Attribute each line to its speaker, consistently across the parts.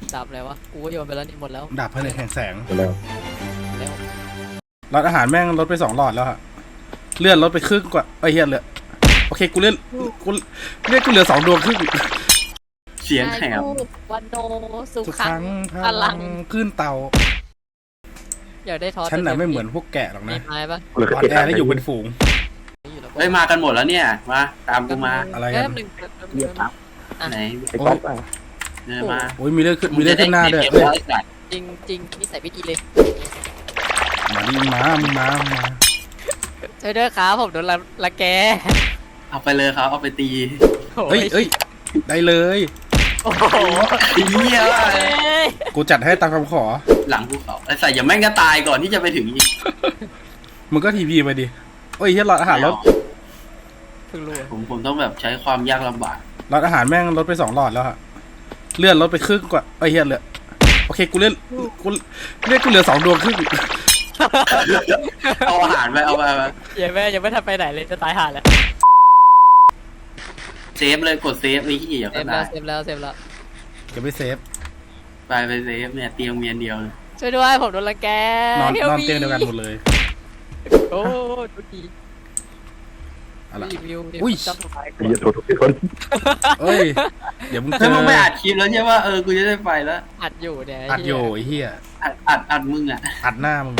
Speaker 1: ดาบอะไรวะกูก็โยนไปแล้วนี่หมดแล้ว
Speaker 2: ดาบผนึกแห่งแสง
Speaker 3: แล้ว
Speaker 1: แล้ว
Speaker 2: หลอดอาหารแม่งลดไป2 หลอดแล้วฮะเลื่อนลดไปครึ่งกว่าไอ้เหี้ยเหลือโอเคกูเลื่อนกูเหลือ2 ดวงครึ่ง
Speaker 4: เสียงแหบ
Speaker 1: วันโนสุ
Speaker 2: ทุก
Speaker 1: ขั
Speaker 2: ครั้
Speaker 1: ง
Speaker 2: ง
Speaker 1: พลัง
Speaker 2: ขึ้นเตา
Speaker 1: อยากได้ทอส
Speaker 2: ฉันน่ะไม่เหมือนพวกแกะหรอก
Speaker 1: มี
Speaker 2: นะ
Speaker 1: ไม้ปะ
Speaker 3: เหลือ
Speaker 2: อ่อน
Speaker 3: เจ็ด
Speaker 2: แอและอยู่เป็นฝูง
Speaker 1: อยู่แล้ว
Speaker 4: เฮ้ยมากันหมดแล้วเนี่ยมาตามกูมา
Speaker 2: อะไรกัน
Speaker 1: แป๊บหนึ่ง
Speaker 3: เรียบครับ
Speaker 4: ไหน
Speaker 3: ไอ้ก๊อฟอ่ะ
Speaker 4: เนี่ยมา
Speaker 2: โอ้ยมีเลือดขึ้นหน้าด้วย
Speaker 4: เก็บ
Speaker 2: เฮ้ย
Speaker 4: ไว้ไอ้สัตว์
Speaker 1: จริงจริงนิสัยไม่ดีเลย
Speaker 2: มาดิมา
Speaker 1: ช่วยด้วยครับผมโดนละแก
Speaker 4: เอาไปเลยครับเอาไปตี
Speaker 2: เอ้ยได้เลย
Speaker 1: โอ้โห
Speaker 4: ไอ้เหี้ย
Speaker 1: เอ้ย
Speaker 2: กูจัดให้ตามคำขอ
Speaker 4: หลังภูเขาไอ้สัตว์อย่าแม่งก็ตายก่อนที่จะไปถึงอีก
Speaker 2: มึงก็ทีพีไปดิโอ้ยเหี้ยหลอดอาหารลด
Speaker 1: เพิ่งรู้อะ
Speaker 4: ผมต้องแบบใช้ความยากลำบาก
Speaker 2: หลอดอาหารแม่งลดไป2 หลอดแล้วฮะเลื่อนลดไปครึ่งกว่าไอ้เหี้ยเหลือโอเคกูเหลือ2 ดวงครึ่ง
Speaker 4: เอาอาหารไปเอาไป
Speaker 1: ยังไม่ทันไปไหนเลยจะตายห่าแล้ว
Speaker 4: เซฟเลยกดเซฟไอ้ที่อย่า
Speaker 1: เซ
Speaker 4: ก็
Speaker 1: ฟแล้
Speaker 4: ตา
Speaker 1: วย เซฟแล้วเซฟแล้ว
Speaker 2: จะไม่เซฟ
Speaker 4: ไปเซฟเนี่ยเตียงเมียนเดียวเลย
Speaker 1: ช่วยด้วยผมโดนละแก
Speaker 2: นอน
Speaker 1: Help me
Speaker 2: เตียงเดียวกันหมดเลย
Speaker 1: โอ้ดูดี
Speaker 2: อะไร
Speaker 1: รีวิว
Speaker 2: อุ้ย
Speaker 1: จับทำไม
Speaker 3: ไอ้เหี้ยโทษทุกคน
Speaker 2: เอ้ยเดี๋ยวมึงเจ
Speaker 4: เฮ้ย
Speaker 2: อ
Speaker 4: มึงไม่อัดคลิปแล้วใช่ป่ะกูจะได้ไปแล้ว
Speaker 1: อัดอยู่เนี่ย
Speaker 2: อัดอยู่ไอ้เหี้ย
Speaker 4: อัดมึงอ่ะ
Speaker 2: อัดหน้ามึง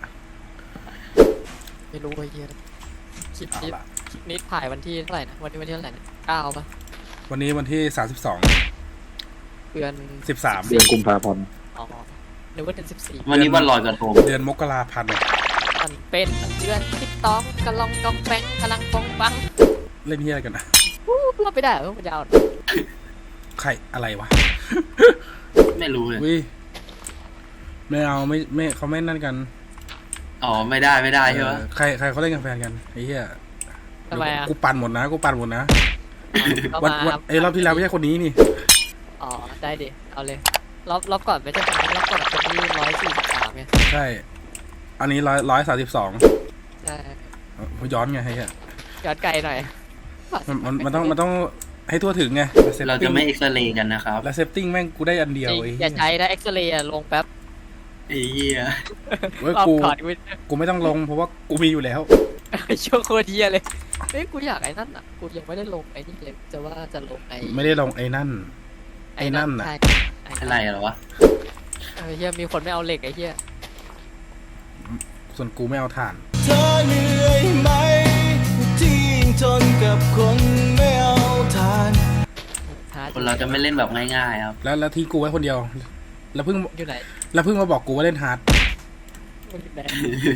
Speaker 1: ไม่รู้ไอ้เหี้ยคลิป
Speaker 2: เอา
Speaker 1: นี้
Speaker 2: ละ
Speaker 1: คลิปนี้ถ่ายวันที่เท่าไหร่นะวันที่เท่าไหร่นะ9ป่ะ
Speaker 2: วันนี้วันที่
Speaker 1: เดือน
Speaker 2: 32
Speaker 3: เดือนกุมภาพันธ์
Speaker 1: อ๋อนึกว่าเดือน14
Speaker 4: วันนี้วันลอยกระทง
Speaker 2: เดือนมกราพันธ์
Speaker 1: มันเป็นเดือนที่ต้องกะลองกองแปงกำลังปองปัง
Speaker 2: เล่นเหี้ยอะไรกันนะ
Speaker 1: เราไปได้เหรอมันยาว
Speaker 2: ใครอะไรวะ
Speaker 4: ไม่รู้เลย
Speaker 2: วิไม่เอาไม่เขาไม่นั่นกัน
Speaker 4: อ๋อไม่ได้ใช่ปะ
Speaker 2: ใครเขาเล่นกันแฟนกันไอ้เหี้ย
Speaker 1: ทำไมอ่ะ
Speaker 2: กูปั่นหมดนะ
Speaker 1: ก็
Speaker 2: วัน
Speaker 1: มา
Speaker 2: ไอ้รอบที่แล้วไม่ใช่คนนี้นี่
Speaker 1: อ๋อได้ดิเอาเลยรอบก่อนไม่ใช่คนนี้รอบก่อนคนที่143ไง
Speaker 2: ใช่อันนี้132
Speaker 1: ใช่
Speaker 2: ย้อนไงไอ้เหี้ย
Speaker 1: ย้อนไกลหน่อย
Speaker 2: มันต้องให้ทั่วถึงไง
Speaker 4: เราจะไม่เอ็กซเรย์กันนะครับ
Speaker 2: แล้วเซฟติ้งแม่งกูได้อันเดียว
Speaker 1: จริง
Speaker 2: ไอ้
Speaker 1: อ
Speaker 2: เหี้
Speaker 1: ย่ายใช้นะเอ็กซเรย์ลงแป๊บ
Speaker 4: ไอ้เหี้ย
Speaker 2: เว้ย
Speaker 1: รอบ
Speaker 2: กู
Speaker 1: ก่อน
Speaker 2: กูไม่ต้องลงเพราะว่ากูมีอยู่แล้ว
Speaker 1: ช่วงโคตรเฮียเลยเฮ้ยกูอยากไอ้นั่นอ่ะกูยังไม่ได้ลงไอ้นี่เลยจะว่าจะลงไอ้
Speaker 2: ไม่ได้ลงไอ้นั่น ไอ้นั่นน่ะ
Speaker 1: ใช่
Speaker 4: อะไรเหรอวะ
Speaker 1: เฮียมีคนไม่เอาเหล็กไอ้เฮีย
Speaker 2: ส่วนกูไม่เอาถ่าน
Speaker 5: เธอเหนื่อยไหมที่ยิ่งทนกับคนไม่เอาทาน
Speaker 4: คนเราจะไม่เล่นแบบง่ายๆครับ
Speaker 2: แล้วทิ้งกูไว้คนเดียว แล้วเพิ่ง
Speaker 1: อยู่ไหน
Speaker 2: มาบอกกูว่าเล่นฮาร์ด
Speaker 1: อยู่ไหน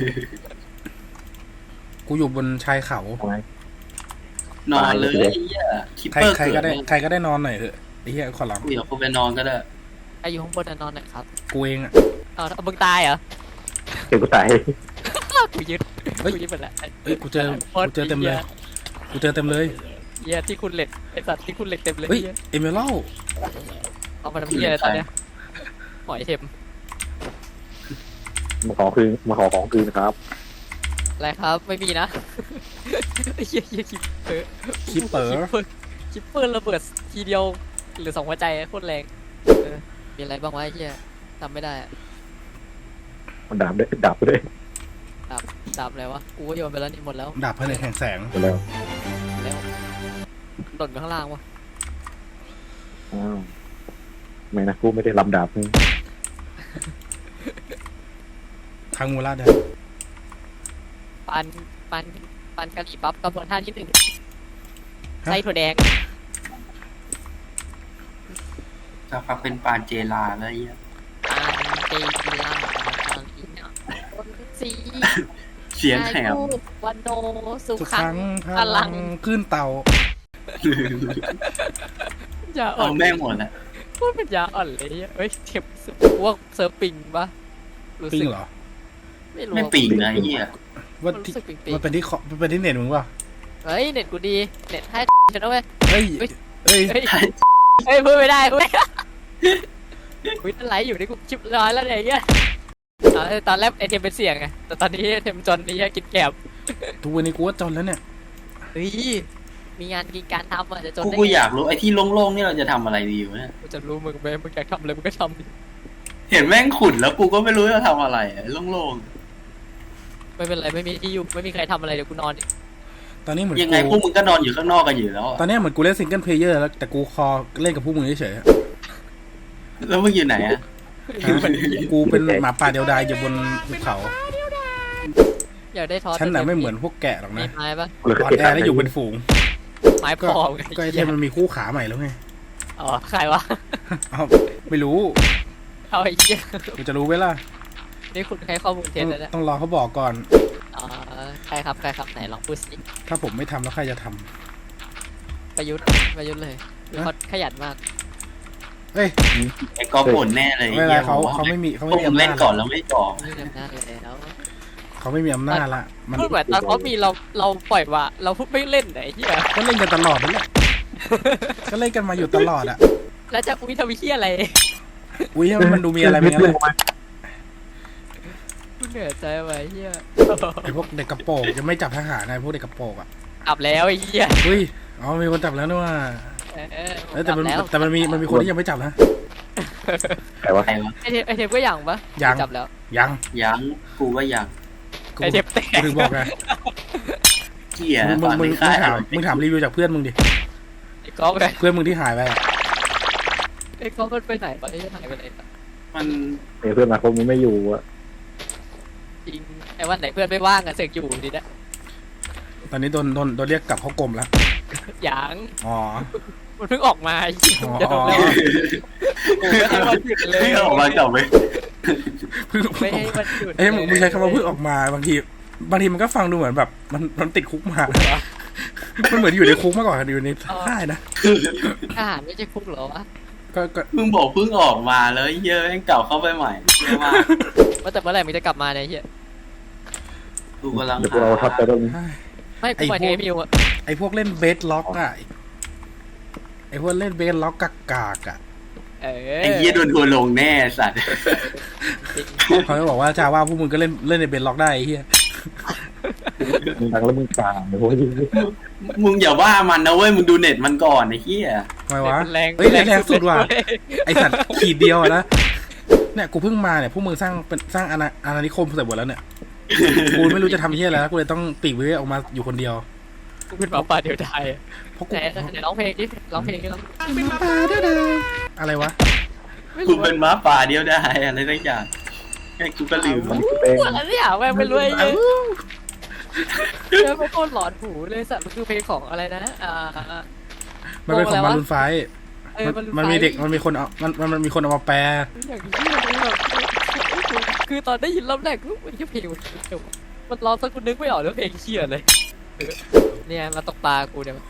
Speaker 2: กูอยู่บนชายเขา
Speaker 3: ทำไม
Speaker 4: นอนเลยไอ้เหี้ยคิป
Speaker 2: ใคร
Speaker 4: เปอร์
Speaker 2: ใคร
Speaker 4: เกิ
Speaker 2: ก็
Speaker 4: ด
Speaker 2: ได้
Speaker 4: เนี่ย
Speaker 2: ใครก็ได้นอนหน่อยเถอะไอ้เหี้ยขอร้อง
Speaker 4: กูอยากกูไปนอนก็ได้
Speaker 1: ไอ้อยู่ข้างบนนอนหน่อยครับ
Speaker 2: กูเองอ่ะ
Speaker 1: เอามึงตายเหรอ
Speaker 3: เก็บกูตาย
Speaker 1: กูยึด
Speaker 2: เฮ้ย
Speaker 1: กูยึดหมดแล้ว
Speaker 2: เอ้ยกูเจอเต็มเลยกูเจอเต็มเลย
Speaker 1: เฮียที่คุณเหล็กไอ้สัตว์ที่คุณเหล็กเต็มเลย
Speaker 2: เฮ้ย
Speaker 1: เหี้ย
Speaker 2: เอเมอรัล
Speaker 1: เอามาทำเฮียอะไรตอนเนี้ยหอยเข็ม
Speaker 3: มาขอของคืนครับ
Speaker 1: อะไรครับไม่มีนะเฮียคิปเปอร์
Speaker 2: คิปเปอร์
Speaker 1: คิปเปอร์ระเบิดทีเดียวหรือ2 หัวใจโคตรแรงมีอะไรบ้างวะไอ้เฮียจำไม่ได้อะ
Speaker 3: มันดาบด้วยดาบด้วย
Speaker 1: ดาบอะไรวะกูก็โยนไปแล้วนี่หมดแล้ว
Speaker 2: ดาบผนึกแห่งแสง
Speaker 3: หมดแล้ว
Speaker 1: แล้วหล่นไปข้างล่างวะ
Speaker 3: อ้าวไม่นะกูไม่ได้ลำดาบนี่
Speaker 2: ทางมูราแดง
Speaker 1: ปันกะหรี่ปั๊บกระบวนท่าที่1ใส่ถั่วแดง
Speaker 4: สักพักเป็นปานเจลาแล้วไอ้เหี้ย
Speaker 1: ปันเตจิล่าปันอีน่ะคนสี
Speaker 4: เสียงแหบ
Speaker 1: วันโนสุ
Speaker 2: ทุก
Speaker 1: ขั
Speaker 2: ครั้
Speaker 1: ง
Speaker 2: ง
Speaker 1: พลัง
Speaker 2: ขึ้นเตา
Speaker 1: อย่าอ่อ
Speaker 4: เอา
Speaker 1: น
Speaker 4: แม่งหมดแหละ
Speaker 1: พูดเป็นยาอ่อนเลยเนี่ยเฮ้ยเข็มพวกเซิร์ฟปิงปะรู้
Speaker 2: ปิ้
Speaker 1: สึ
Speaker 2: ง
Speaker 1: ก
Speaker 2: เหรอ
Speaker 1: ไม่รู้
Speaker 4: ไม่ปิ่งนะไอ้เหี้ย
Speaker 2: ว่า
Speaker 1: รู้
Speaker 2: ที่
Speaker 1: สึกปิง
Speaker 2: มันเป็นที่มันเป็นที่เน็ตมึงป่ะ
Speaker 1: เฮ้ยเน็ตกูดีเน็ตให้ฉันเอาไว้
Speaker 2: เฮ้ย
Speaker 1: เฮ้ย
Speaker 2: เฮ้ย
Speaker 1: เฮ้ยเฮ้ยพูดไม่ได้พูดไม่ได้คุยตั้งไหลอยู่ในกูชิปร้อยแล้วเนี่ยไอ้เงี้ยตอนแรกไอเทมเป็นเสี่ยงไงแต่ตอนนี้ไอเทมจนนี่กินแกบ
Speaker 2: ทุกวันนี้กูว่าจนแล้วเนี่ย
Speaker 1: เฮ้ยมีงานกินการทำอ่ะจะจนได้
Speaker 4: กู
Speaker 1: ไง
Speaker 4: อยากรู้ไอ้ที่โล่งๆนี่เราจะทำอะไรดีวะเนี่ย
Speaker 1: กูจะรู้มึงไหมมึงอยากทำอะไรมึงก็ทำดิ
Speaker 4: เห็นแม่งขุดแล้วกูก็ไม่รู้จะทำอะไรอะโล่ง
Speaker 1: ไม่เป็นไรไม่มีที่อยู่ไม่มีใครทำอะไรเดี๋ยวกูนอนดิ
Speaker 2: ตอนนี้เหมือน
Speaker 4: ๆยังไงพว
Speaker 2: กู
Speaker 4: กมึงก็นอนอยู่ข้างนอกกันอยู่แล้ว
Speaker 2: ตอนนี้เหมือนกูเล่นซิงเกิลเพลเยอร์แล้วแต่กูคอเล่นกับพวกมึงเฉยๆอะ
Speaker 4: แล้วมึงอยู่ไหนอะ
Speaker 2: กูเป็นหมาป่าเดียวดายอยู่บนภูเขา
Speaker 1: อยากได้ทอส
Speaker 2: ฉันน่ะไม่เหมือนพวกแกะหรอก
Speaker 1: มี
Speaker 2: นะ
Speaker 1: ไม้ปะ
Speaker 3: กูเลย
Speaker 2: อ่อนแอแล้วอยู่เป็นฝูง
Speaker 1: ไม้พ
Speaker 2: ก็
Speaker 1: อ
Speaker 2: ก็ไอเทมมันมีคู่ขาใหม่แล้วไง
Speaker 1: อ๋อใครวะ
Speaker 2: เอาไม่รู้
Speaker 1: เอาไอ้เหี้ย
Speaker 2: กูจะรู้ไหมล่ะ
Speaker 1: นี่คุณให้ข้อมูลเท็จแล้วเนี่ย
Speaker 2: ต้องรอเขาบอกก่อน
Speaker 1: อ๋อใครครับไหนลองพูดสิ
Speaker 2: ถ้าผมไม่ทำแล้วใครจะทำ
Speaker 1: ประยุทธ์เลยเขาขยันมาก
Speaker 2: เอ้ย
Speaker 4: ไอ้กอล์ฟบ่นแน่เลย
Speaker 2: เวลาเขาไม่มี
Speaker 4: พวกมึง
Speaker 2: อำ
Speaker 4: เล่
Speaker 2: นาจ
Speaker 4: นก่อนแล้วไม่ก่อ
Speaker 1: นี่อำนาจแล้ว
Speaker 2: เขาไม่มีอำนาจละมัน
Speaker 1: พูดเหมือนตอนเขามีเราปล่อยว่าเราพูดไม่เล่นไหนเหี้ย
Speaker 2: ก็เล่นกันตลอดนั่นแหละก็เล่นกันมาอยู่ตลอดอ่ะ
Speaker 1: แล้วจะอุ้ยทำเหี้ยอะไร
Speaker 2: อุ้ยมันดูมีอะไรเป็นงั้นเลย
Speaker 1: กูเหนื่อยใจไว้เหี้ย
Speaker 2: ไอพวกเด็กกระโปรงยังไม่จับทหารนะพวกเด็กกระโปรงอ่ะ
Speaker 1: อับแล้วไอ้เหี้ย
Speaker 2: อุ้ยอ๋อมีคนจับแล้วนี่ว่า
Speaker 1: เออ
Speaker 2: แต่มัน
Speaker 1: จับแล้ว
Speaker 2: แต่มันมีคนที่ยังไม่จับนะ
Speaker 3: ใครวะ
Speaker 4: ใครวะ
Speaker 1: ไอเทมก็ยังปะ
Speaker 2: ยัง
Speaker 1: จับแล้ว
Speaker 2: ยัง
Speaker 4: ยังกูก็ยัง
Speaker 2: กู
Speaker 1: ไอเทมแตก
Speaker 2: กูถึงบอกไง
Speaker 4: เกีย
Speaker 2: มึง
Speaker 4: ตอน
Speaker 2: มึง
Speaker 4: ไม่ค่าย
Speaker 2: มึงถามรีวิวจากเพื่อนมึงดิ
Speaker 1: ไอ้ก๊อฟไง
Speaker 2: เพื่อนมึงที่หายไปอะ
Speaker 1: ไอ้ก๊อฟมันไปไหนปะไอ้หายไปไหนปะ
Speaker 4: มัน
Speaker 3: เพื่อนมาคงไม่อยู่อะ
Speaker 1: จริงไอ้วันไหนเพื่อนไม่ว่างอะเสกอยู่ดีนะ
Speaker 2: ตอนนี้โดนเรียกกลับเข้ากรมแล้ว
Speaker 1: ยัง
Speaker 2: อ๋อ
Speaker 1: มันเพิ่งออกมาไอ้เหี้ย
Speaker 2: อ๋อ
Speaker 1: จะโดนแล้วโอ้ไม่ให้วันหยุดเลย
Speaker 4: ไม่ออกมาจับไป
Speaker 2: เพิ่ง
Speaker 1: ไม่ให้วันหยุด
Speaker 2: เอ้ยมึงใช้คำว่าเพิ่งออกมาบางทีมันก็ฟังดูเหมือนแบบมันติดคุกมา มันเหมือนอยู่ในคุกมาก่อนอยู่ในค่ายนะ
Speaker 1: ทหารไม่ใช่คุกเหรอวะ
Speaker 2: ก็
Speaker 4: มึงบอกเพิ่งออกมาแล้วเหี้ยอะแม่งเก่าเข้าไปใหม่เหี้ยมาก
Speaker 1: ว่าแต่เมื่อไหร่มึงจะกลับมาเนี่ยไอ้เหี้ย
Speaker 4: กูกำลัง
Speaker 3: เดี๋ยวพวกเราทับไปแล้ว
Speaker 1: ไม่กูหมายถึงไอ้มิวอะ
Speaker 2: ไอพวกเล่นเบสล็อกอะไอพวกเล่นเบสล็อกกากๆอะ
Speaker 4: ไอ้เหี้ยโดนทัวร์ลงแน่สัตว์
Speaker 2: เขาจะบอกว่าจาว่าพวกมึงก็เล่นในเบสล็อกได้ไอ้เหี้ย
Speaker 3: มึงดังแล้วมึงกลางโอ้ย
Speaker 4: มึงอย่าว่ามันนะเว้ยมึงดูเน็ตมันก่อนไอ้เหี้ย
Speaker 2: ทำไมวะ
Speaker 1: แรง
Speaker 2: เฮ้ยแรงสุดว่ะ ไอสัตว์ขีดเดียวอะนะเนี่ยกูเพิ่งมาเนี่ยพวกมึงสร้างอาณานิคมเสร็จหมดแล้วเนี่ยกูไม่รู้จะทำเหี้ยอะไรแล้วกูเลยต้องปีกวิเวกออกมาอยู่คนเดียว
Speaker 1: กูเป็นหมาป่าเดียวดาย
Speaker 2: เพราะ
Speaker 1: ไหนไหนร้องเพลงดิร้องเพลงดิร้อง
Speaker 2: อะไรวะ
Speaker 1: ไม่
Speaker 4: กู
Speaker 1: รู้
Speaker 4: เป็นม้าป่าเดียวได้อะไรสักอย่างไอ้กูก็ลืม
Speaker 3: มันคือเป็น
Speaker 1: อะไรเนี่ยแม่งไม่รู้ไอ้เหี้ยเจอไม่โคตรหลอนหูเลยสัตว์มันคือเพลงของอะไรนะ
Speaker 2: มันเป็นของมารุนไฟ
Speaker 1: เออ
Speaker 2: มันมีเด็กมันมีคนเอามันมีคนเอามาแปล
Speaker 1: อย่างนี้เลยแบบคือตอนได้ยินรอบแรกกูไอ้เหี้ยเพลงมันร้องสักกูนึกไม่ออกเลยเพลงเชี่ยเลยเนี่ยมาตกปลากูเนี่ย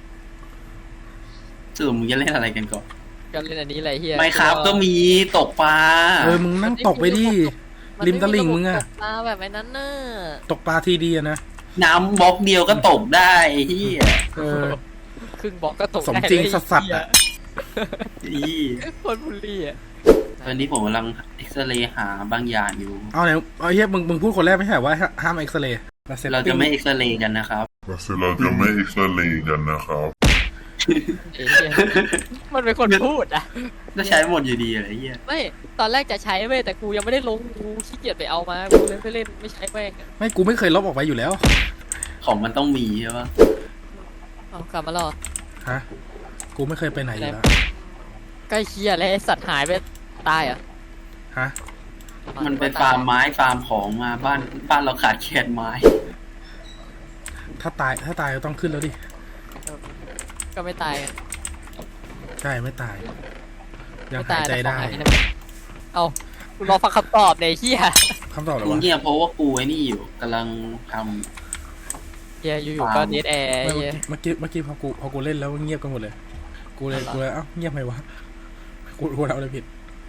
Speaker 4: สรุปมึงจะเล่นอะไรกันก่อน
Speaker 1: กันเล่นอันนี้อะไรเฮีย
Speaker 4: ไม่ครับก็มีตกปลา
Speaker 2: มึงนั่งตกไปดิ ริมตลิ่งมึงอะ
Speaker 1: ตกปลาแบบไอ้นั้นน่ะ
Speaker 2: ตกปลาทีดีอะนะ
Speaker 4: น้ำบล็อกเดียวก็ตกได้ไอ้เหี้ย
Speaker 2: เออ
Speaker 1: ครึ่งบอกก็ตก
Speaker 2: สมจริงสัสๆอะ
Speaker 4: อี
Speaker 1: คนบุรีอ่ะ
Speaker 4: ตอนนี้ผมกำลังเอ็กซเรย์หาบางอย่างอยู่
Speaker 2: เอาไหนเอาเฮียมึงพูดคนแรกไม่ใช่ว่าห้ามเอ็กซเรย์
Speaker 4: เราจะไม่เอ็กซเรย์กันนะครับ
Speaker 6: เราจะไม่เอ็กซเรย์กันนะครับ
Speaker 1: ไอ้เหี้ยมันเป็นคนพูดอ่ะ
Speaker 4: ก็ใช้หมดอยู่ดีอะไรเหี้ย
Speaker 1: ไม่ตอนแรกจะใช้เว้ยแต่กูยังไม่ได้ลงกูขี้เกียจไปเอามากูเลยไม่เล่นไม่ใช้แม่ง
Speaker 2: ไม่กูไม่เคยลบออกไปอยู่แล้ว
Speaker 4: ของมันต้องมีใช่ปะ
Speaker 1: เอากลับมาหรอ
Speaker 2: ฮะกูไม่เคยไปไหนอยู่แล้ว
Speaker 1: ใกล้เคียเลยไอ้สัตว์หายไปตายอ่ะ
Speaker 2: ฮะ
Speaker 4: มันไปฟาร์มไม้ฟาร์มของมาบ้านเราขาดแคลนไม้
Speaker 2: ถ้าตายก็ต้องขึ้นแล้วดิ
Speaker 1: ก็ไม่ตายอะ
Speaker 2: ใช่ไม่ตาย ยัง
Speaker 1: ไม่
Speaker 2: หายใจได้
Speaker 1: แต่ของหายนะเอากูรอฟังคำตอบในเฮีย
Speaker 2: คำตอบอะไร
Speaker 4: กู
Speaker 2: วะ
Speaker 4: เงียบเพราะว่ากูไอ้นี่อยู่กำลังท
Speaker 1: เฮียอยู่ๆก็เดทแอร์
Speaker 2: ไม่
Speaker 1: เฮีย
Speaker 2: เมื่อกี้พอกูเล่นแล้วเงียบกันหมดเลย กูเลยเอ้าเงียบไหมวะกูทำอะไรผิด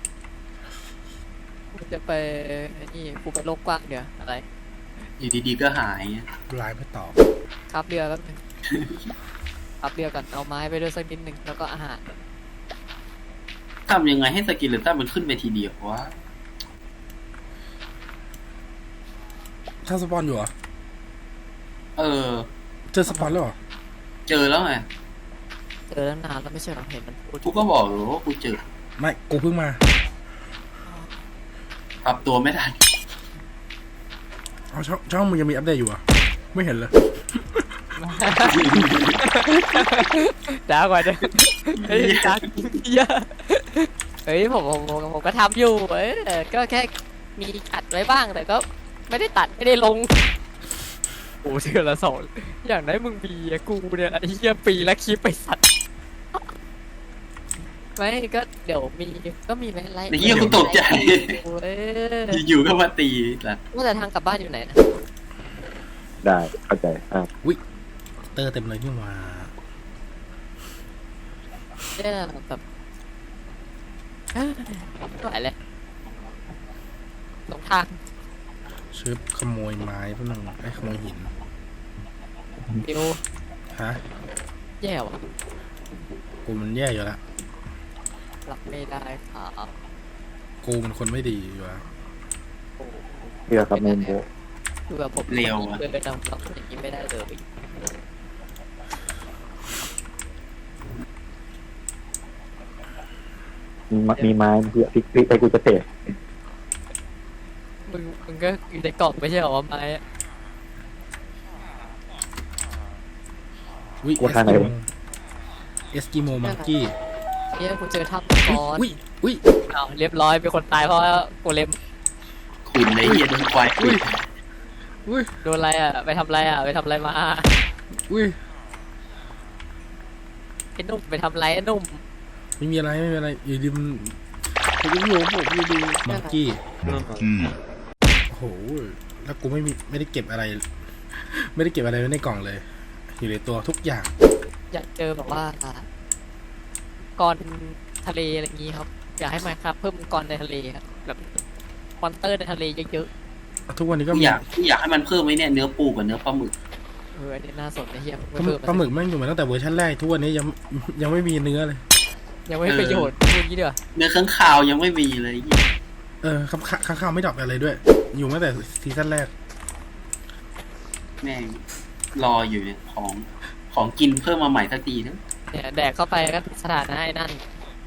Speaker 1: กูจะไปไอ้นี่กูไปโลกกว้างเดี๋ยวอะไร
Speaker 4: ำอยู่ดีๆก็หาย
Speaker 2: ไลน์ไม่ตอบ
Speaker 1: ขับเรือแป๊บนึงขับเรือก่อนเอาไม้ไปด้วยสักนิดนึงแล้วก็อาหาร
Speaker 4: ทำยังไงให้สกิลเลต้ามันขึ้นไปทีเดียววะ
Speaker 2: ถ้าสปอนอยู่เหรอ
Speaker 4: เออ
Speaker 2: เจอสปอนแล้วเหรอ
Speaker 4: เเจอแล้วไง
Speaker 1: เจอตั้งนานแล้วไม่ใช่เหรอเห็นมันพูด
Speaker 4: กูก็บอกอยู่ว่ากูเจอ
Speaker 2: ไม่กูเพิ่งมา
Speaker 4: ปรับตัวไม่ทัน
Speaker 2: เอาช่องมึงยังมีอัปเดตอยู่อ่ะไม่เห็นเลย
Speaker 1: จ้ากว่าเดิมเฮ้ยจ้าเยอะเฮ้ยผมก็ทำอยู่ก็แค่มีอัดไว้บ้างแต่ก็ไม่ได้ตัดไม่ได้ลงโอ้เดือนละ2อย่างนั้นมึงมีอะกูเนี่ยไอ้เหี้ยปีละคลิปไปสัตว์ไม่ก็เดี๋ยวก็มีไหมไลฟ์
Speaker 4: ไอ้เหี้ยกูตกใจ อยู่ๆก็มาตีล่ะ
Speaker 1: ว่าแต่ทางกลับบ้านอยู่ไหนนะ
Speaker 3: ได้เข้าใจ
Speaker 2: เตอร์เต็มเลยนี่มา
Speaker 1: เนี่ยแบบไม่ไหวเลยหลงทาง
Speaker 2: ชึบขโมยไม้พวกนึงไอ้ขโมยหิน
Speaker 1: ฟิว
Speaker 2: ฮะ
Speaker 1: แย่ว่ะ
Speaker 2: กูมันแย่อยู่ละ
Speaker 1: รับไม่ได้ครับ
Speaker 2: กูมันคนไม่ดีอยู่ละ
Speaker 3: เพื่อครับเมนโบ
Speaker 1: คือแบบผม
Speaker 4: เร็วอะ
Speaker 1: เดินไปทำรับอย่างนี้ไม่ได้เลย
Speaker 3: มีไม้เพื่อพลิกไปกูจะเตะ
Speaker 1: มึงก็อยู่ในกล่องไม่ใช่เหรอวะไม้อะ
Speaker 2: วิเอสกิโมมังกี้
Speaker 1: เนี่ยกูเจอทับก้อน
Speaker 2: วิ
Speaker 1: เอาเรียบร้อยเป็นคนตายเพราะโกเลม
Speaker 4: ขุนไอ้เหี้ยโดนควายขุน
Speaker 2: อุ้ย
Speaker 1: โดนอะไรอ่ะไปทำอะไรอ่ะไปทำอะไรมา
Speaker 2: อุ้ย
Speaker 1: ไอ้หนุ่มไปทำอะไรไอ้หนุ่ม
Speaker 2: ไม่มีอะไรอยู่ดีมันอยู่อยู่ดีมังกี้โอ้โหแล้วกูไม่ได้เก็บอะไร ไม่ได้เก็บอะไรไว้ในกล่องเลย อยู่ในตัวทุกอย่าง
Speaker 1: อยากเจอแบบว่าก้อนทะเลอะไรอย่างงี้ครับอยากให้มาครับเพิ่มก้อนในทะเลครับแบบมอนเตอร์ในทะเลเยอะ
Speaker 2: ทุกวันนี้ก็
Speaker 4: กู
Speaker 2: มี
Speaker 4: อยากให้มันเพิ่มไว้เนี่ยเนื้อปูกับเนื้อปลาหมึก
Speaker 1: ๆอันนี้น่าสนนะเฮีย
Speaker 2: ปลาหมึกแม่งอยู่มาตั้งแต่เวอร์ชันแรกทุกวันนี้ยังไม่มีเนื้อเลย
Speaker 1: ยังไม่ประโยชน์พูดงี้ดีกว่า
Speaker 4: เนื้อข้างคาวยังไม่มีเลย
Speaker 2: ข้างๆไม่ดรอปอะไรด้วย อยู่มาแต่ซีซั่นแรก
Speaker 4: แม่งรออยู่เนี่ยของกินเพิ่มมาใหม่สักทีนะ
Speaker 1: เนี่ยแดกเข้าไปก็สถานะไอ้นั่น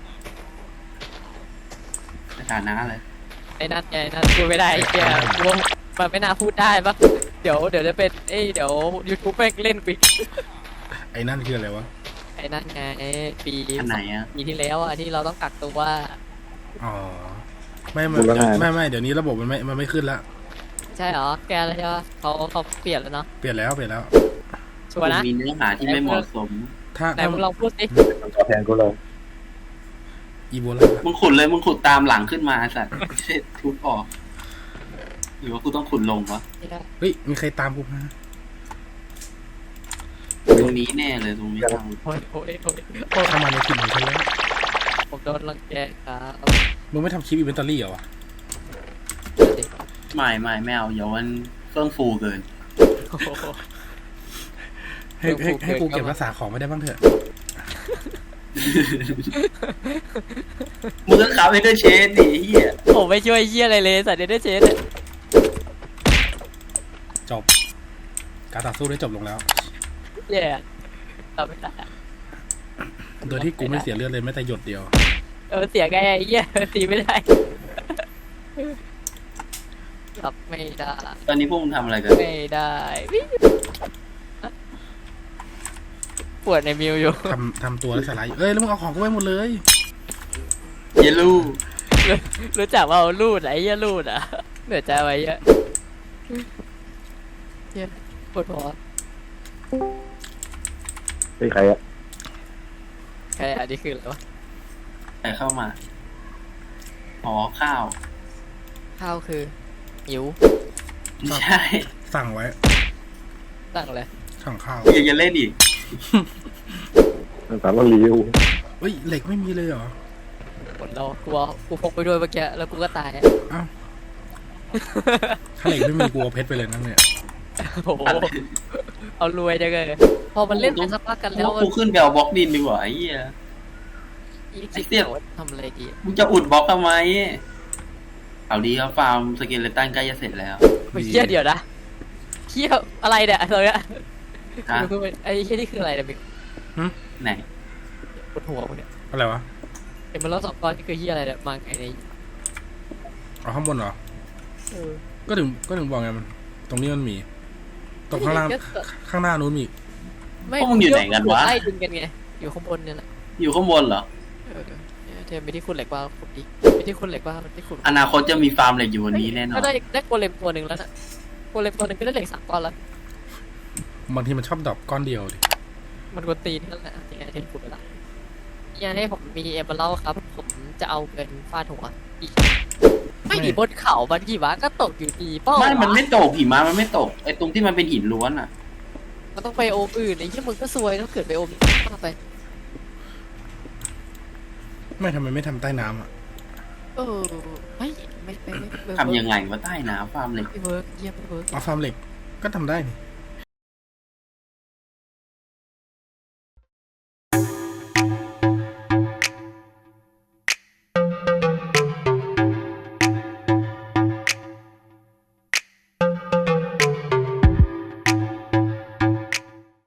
Speaker 4: สถานะเลย
Speaker 1: ไอ้นั่นไงนั่นพูดไม่ได้ไอ้เฮียกูว่ามันไม่น่าพูดได้ปะเดี๋ยวจะเป็นเดี๋ยว YouTube แม่งเล่นปิด
Speaker 2: ไอ้นั่นคืออะไรวะ
Speaker 1: ไอ้นั่นไงปี
Speaker 4: อันไหนอ่ะ
Speaker 1: ปีที่แล้วอ่ะที่เราต้องกักตัว
Speaker 2: อ๋อไม่เดี๋ยวนี้ระบบมันไม่ขึ้นละ
Speaker 1: ใช่เหรอแกแล้วใช่ปะเขาเปลี่ยนแล้วเนาะ
Speaker 2: เปลี่ยนแล้ว
Speaker 1: ชัวร์นะ
Speaker 4: มีเนื้อหาที่ไม่เหมาะสม
Speaker 2: ถ้า
Speaker 1: ไหนมึงลองพูดสิ
Speaker 3: ตัวแทนกูเลย
Speaker 2: อีโบลา
Speaker 4: มึงขุดเลยมึงขุดตามหลังขึ้นมาสัตว์ไม่ใช่ทุบออกหรือว่ากูต้องขุดลงวะ
Speaker 1: ไม่ได้
Speaker 2: เฮ้ยมีใครตามกูมา
Speaker 4: ตรงนี้แน่เลยตรงนี้ทาง
Speaker 1: โอ้ย
Speaker 2: เข้ามาในทีมของฉันแล้ว
Speaker 1: ผมโดนรังแกครับ
Speaker 2: มึงไม่ทำคลิปอีเวนต์ตอรี่เหรอวะ
Speaker 4: ไม่เอาอย่าวันเฟื่องฟูเกิน
Speaker 1: โอ้โห
Speaker 2: ให้กูเก็บรักษาของไม่ได้บ้างเถอะ
Speaker 4: มึงก็ขับให้ด้วยเชนดิเฮีย
Speaker 1: ผมไม่ช่วยเฮียอะไรเลยสัตว์เดนเชสเนี่ย
Speaker 2: จบ การต่อสู้ได้จบลงแล้ว
Speaker 1: แย่ตอบไม่ได้
Speaker 2: โดยที่กูไม่เสียเลือดเลยแม้แต่หยดเดียว
Speaker 1: เสียไงไอ้เฮียตีไม่ได้รับไม่ได้
Speaker 4: ตอนนี้พวกมึงทำอะไรกัน
Speaker 1: ไม่ได้ปวดในมิวอยู่
Speaker 2: ทำตัวแล้วสไลด์เอ้ยแล้วมึงเอาของกูไว้หมดเลย
Speaker 4: เยลู
Speaker 1: รู้จักว่าลูดไอ้เหี้ยลูดอ่ะเหนื่อยใจไว้เยอะเหี้ยปวดหัว
Speaker 3: เป็นใครอะ
Speaker 1: ใครอันนี้คืออะไรวะ
Speaker 4: ใครเข้ามาอ๋อข้าว
Speaker 1: ข้าวคือหิว
Speaker 4: ไม่ใช่
Speaker 2: สั่งไว้
Speaker 1: ตั้งเลย
Speaker 2: สั่งข้าว
Speaker 4: ยังจะเล่นอีก
Speaker 3: สารลิว
Speaker 2: เฮ้ยเหล็กไม่มีเลยเหรอ
Speaker 1: หมดแล้วกูพกไปด้วยเมื่อกี้แล้วกูก็ตาย
Speaker 2: อ้าวถ้าเหล็กไม่มีกูเอาเพชรไปเลยนั่นเนี่ย
Speaker 1: โอ้โหเอารวยจังเลยพอมันเล่นไปสักพักกันแล้ว
Speaker 4: กูขึ้นไปเอาบล็อกดินดีกว่าไอ้เหี้ย
Speaker 1: ไอ้เสี่ยวทำอะไรดี
Speaker 4: มึงจะอุดบล็อกทำไมเอาดีครับฟาร์มสเกเลตันใกล้จะเสร็จแล้ว
Speaker 1: ไม่เชี่ยเดี๋ยวนะเชี่ยอะไรเนี่ยอะไรอะ
Speaker 4: ฮะ
Speaker 1: ไอ้เชี่ยนี่คืออะไรเนี่ยมิ
Speaker 4: ไหน
Speaker 1: บนหัวมึงเนี่ย
Speaker 2: อะไรวะ
Speaker 1: เห็นมันแล้ว2 ก้อนนี่คือเหี้ยอะไรเนี่ยมาไงใน
Speaker 2: เอาข้างบนเหรอ
Speaker 1: เออ
Speaker 2: ก็ถึงบอกไงมัน ตรงนี้มันมี ตรงข้างล่าง ข้างหน้านู้นมี
Speaker 1: ไม่
Speaker 4: พวกมึงอยู่ไหนกันวะ
Speaker 1: ไล่ดึงกันไงอยู่ข้างบนเนี่ยแหละ
Speaker 4: อยู่ข้างบนเหรอ
Speaker 1: เออเนี่ยเทมไม่ที่คุณเหล็กว่าขุดดิไม่ที่คุณเหล็กว่าที่ขุด
Speaker 4: อนาคตจะมีฟาร์มเหล็กอยู่บนนี้แน่นอ
Speaker 1: ก็
Speaker 4: น
Speaker 1: ได้โกเลมตัวหนึ่งแล้วนะโกเลมตัวหนึ่งก็ได้เหล็ก3 ก้อนแล้ว
Speaker 2: บางทีมันชอบดรอปก้อนเดียวดิ
Speaker 1: มันกวนตีนนั่นแหละที่ไงเทมขุดไปละยังให้ผมมีเอเบอร์เล่าครับ ผมจะเอาเงินฟาดหัวอีกไม่ดีบนเขาบันกี่วะก็ตกอยู่ดีเป้า
Speaker 4: ไม่มันไม่ตกหิมะมันไม่ตกไอ้ตรงที่มันเป็นหินล้วนอ่ะ
Speaker 1: มันต้องไปโอมอื่นไอ้ที่มึงก็ซวยต้องเกิดไปโอมมาไป
Speaker 2: ไม่ทำไมไม่ทำใต้น้ำอ่ะ
Speaker 1: เออไม่
Speaker 4: ทำยังไงว่าใต้น้ำฟาร์มเหล็ก
Speaker 1: ไม่เวิร์กเยี่ยมไม่เวิร์ก
Speaker 2: เอาฟาร์มเหล็ก ก็ทำได้นี่